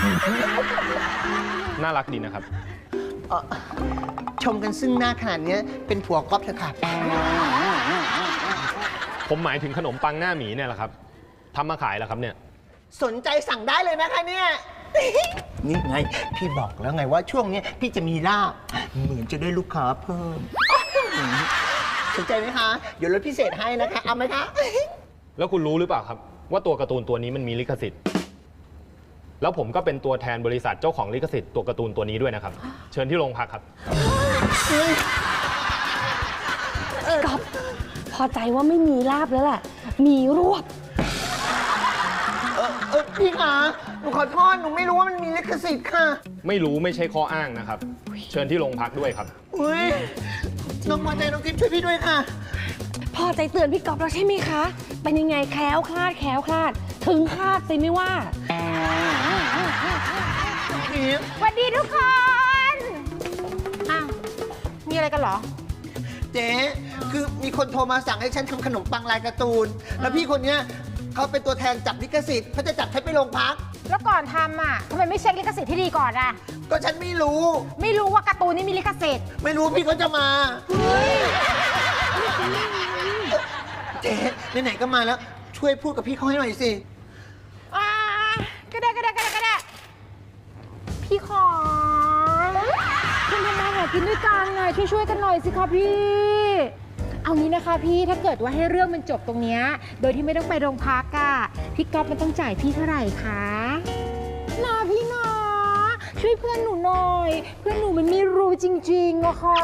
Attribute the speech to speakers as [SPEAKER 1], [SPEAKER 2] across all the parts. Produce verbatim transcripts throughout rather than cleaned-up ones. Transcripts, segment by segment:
[SPEAKER 1] น่ารักดีนะครับ
[SPEAKER 2] ชมกันซึ่งหน้าขนาดนี้เป็นผัวก๊อฟเถอะค่ะ
[SPEAKER 1] ผมหมายถึงขนมปังหน้าหมีเนี่ยแหละครับทำมาขายแล้วครับเนี่ย
[SPEAKER 2] สนใจสั่งได้เลยนะคะเนี่ยนี่ไงพี่บอกแล้วไงว่าช่วงนี้พี่จะมีลาบเหมือนจะได้ลูกค้าเพิ่มสนใจไหมคะเดี๋ยวลดพิเศษให้นะคะเอาไหมคะ
[SPEAKER 1] แล้วคุณรู้หรือเปล่าครับว่าตัวการ์ตูนตัวนี้มันมีลิขสิทธิ์แล้วผมก็เป็นตัวแทนบริษัทเจ้าของลิขสิทธิ์ตัวการ์ตูนตัวนี้ด้วยนะครับเชิญที่โรงพักครับ
[SPEAKER 3] ก๊อฟพอใจว่าไม่มีลาบแล้วแหละมีรวบ
[SPEAKER 2] เออเออพี่คะหนูขอโทษหนูไม่รู้ว่ามันมีลิขสิทธิ์ค่ะ
[SPEAKER 1] ไม่รู้ไม่ใช่ข้ออ้างนะครับเชิญที่โรงพักด้วยครับ
[SPEAKER 2] อุ้ยน้องพอใจน้องทิพย์ช่วยพี่ด้วยค่ะ
[SPEAKER 3] พอใจเตือนพี่ก๊อฟแล้วใช่ไหมคะเป็นยังไงแคล้วคลาดแคล้วคลาดถึงคาดสิไม่ว่า
[SPEAKER 4] สวัสดีทุกคนอ้าวมีอะไรกันเหรอ
[SPEAKER 2] เจ๊คือมีคนโทรมาสั่งให้ฉันทำขนมปังลายการ์ตูนแล้วพี่คนเนี้ยเขาเป็นตัวแทนจับลิขสิทธิ์เขาจะจับฉันไปโรงพัก
[SPEAKER 4] แล้วก่อนทำอ่ะทำไมไม่เช็คลิขสิทธิ์ที่ดีก่อนอ่ะ
[SPEAKER 2] ก็ฉันไม่รู้
[SPEAKER 4] ไม่รู้ว่าการ์ตูนนี่มีลิขสิทธิ์
[SPEAKER 2] ไม่รู้พี่เขาจะมาเจ๊ไหนๆก็มาแล้วช่วยพูดกับพี่เขาให้หน่อยสิ
[SPEAKER 4] อ่าก็ได้ก็ได้ก็ได้ก็ได้พี่ขอคุณทำมาหากินด้วยกันไงช่วยๆกันหน่อยสิคะพี่เอางี้นะคะพี่ถ้าเกิดว่าให้เรื่องมันจบตรงนี้โดยที่ไม่ต้องไปโรงพักอะพี่ก๊อฟมันต้องจ่ายพี่เท่าไหร่คะนะพี่นะช่วยเพื่อนหนูหน่อยเพื่อนหนูมันไม่รู้จริงๆอะค่ะ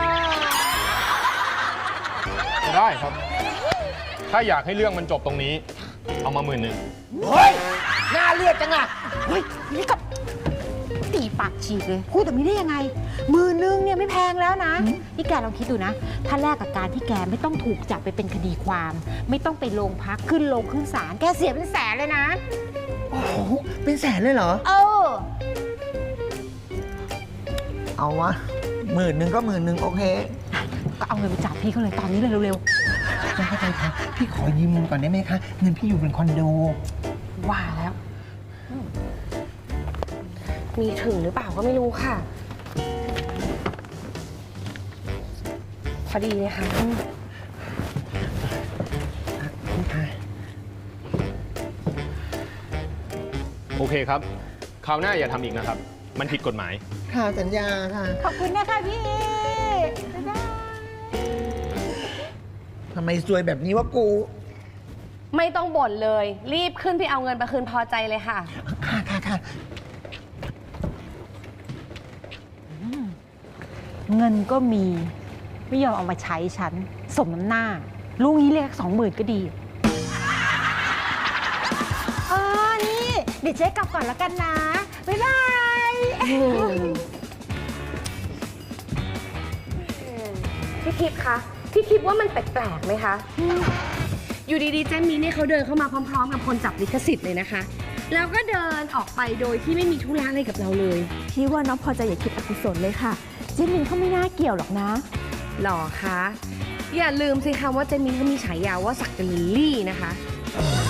[SPEAKER 1] ได้ครับถ้าอยากให้เรื่องมันจบตรงนี้เอามาหมื่นหนึ่ง
[SPEAKER 2] เฮ้ยน่าเลือดจังอะ
[SPEAKER 4] เฮ้ยนี่กับตีปากฉีกเลยพูดแบบนี้ได้ยังไงมือนึงเนี่ยไม่แพงแล้วนะนี่แกลองคิดดูนะถ้าแลกกับการที่แกไม่ต้องถูกจับไปเป็นคดีความไม่ต้องไปโรงพักขึ้นโรงขึ้นศาลแกเสียเป็นแสนเลยนะ
[SPEAKER 2] โอ้โหเป็นแสนเลยเหรอ
[SPEAKER 4] เออ
[SPEAKER 2] เอาวะหมื่นหนึ่งก็หมื่นหนึ่งโอเค
[SPEAKER 4] ก็เอาเงินไปจับพี่เขาเลยตอนนี้เลยเร็ว
[SPEAKER 2] ๆไม่เข้าใจค่ะพี่ขอยืมเงินก่อนได้ไหมคะเงินพี่อยู่เป็นคอนโด
[SPEAKER 4] ว่าแล้ว
[SPEAKER 3] มีถึงหรือเปล่าก็ไม่รู้ค่ะพอดีเลยค่ะ
[SPEAKER 1] โอเคครับคราวหน้าอย่าทำอีกนะครับมันผิดกฎหมาย
[SPEAKER 2] ค่ะสัญญาค่ะ
[SPEAKER 4] ขอบคุณนะคะพี่บ๊ายบาย
[SPEAKER 2] ทำไมซวยแบบนี้วะกู
[SPEAKER 3] ไม่ต้องบ่นเลยรีบขึ้นไปเอาเงินไปคืนพอใจเลยค่ะ
[SPEAKER 2] ค่ะค่ะค่ะ
[SPEAKER 4] เงินก็มีไม่ยอมเอามาใช้ฉันสมน้ำหน้าลูกนี้เรียกสองหมื่นก็ดีเออนี่เดี๋ยวเจ๊กลับก่อนแล้วกันนะบ๊ายบาย
[SPEAKER 3] พี่ทิพย์คะพี่ทิพย์ว่ามันแปลกๆไหมคะอยู่ดีๆเจนนี่เนี่ยเขาเดินเข้ามาพร้อมๆกับคนจับลิขสิทธิ์เลยนะคะแล้วก็เดินออกไปโดยที่ไม่มีธุระอะไรกับเราเลย
[SPEAKER 4] พี่ว่าน้องพอใจอย่าคิดอกุศลเลยค่ะเจนมินเขาไม่น่าเกี่ยวหรอกนะ
[SPEAKER 3] หรอคะอย่าลืมสิคะว่าเจนมินเขามีฉายาว่าสักเดลิลลี่นะคะ